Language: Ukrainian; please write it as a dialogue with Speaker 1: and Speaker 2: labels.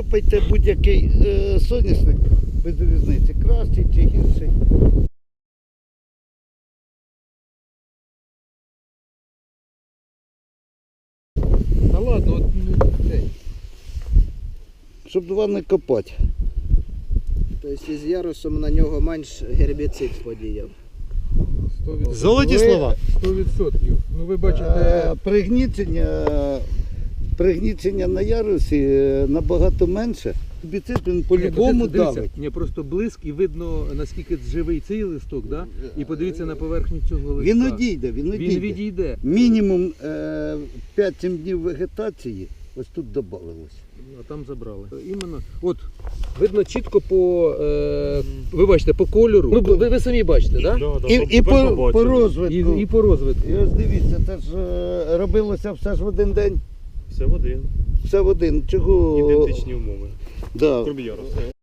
Speaker 1: Копайте будь-який соняшник, без різниці, кращий чи гірший.
Speaker 2: Та ладно, от,
Speaker 1: Щоб два не копати.
Speaker 3: Тобто із ярусом на нього менш гербіцид подіяв.
Speaker 2: 100%.
Speaker 4: Золоті слова.
Speaker 2: 100%. Ну ви бачите,
Speaker 1: Пригнічення на ярусі набагато менше. Гербіцид він по-любому давить.
Speaker 2: Ні, просто блиск і видно, наскільки живий цей листок, да? І подивіться на поверхню цього листка.
Speaker 1: Він одійде,
Speaker 2: Він відійде.
Speaker 1: Мінімум 5-7 днів вегетації ось тут додавалось.
Speaker 2: А там забрали. Іменно, от, видно чітко по, ви бачите, по кольору. Ну, ви самі бачите, так? Да?
Speaker 1: І по розвитку.
Speaker 2: І по розвитку.
Speaker 1: І ось дивіться, це ж робилося все ж в один день.
Speaker 4: Все в один.
Speaker 1: Все в один. Чого?
Speaker 4: Ідентичні умови.
Speaker 1: Да.
Speaker 4: Крім ярусу.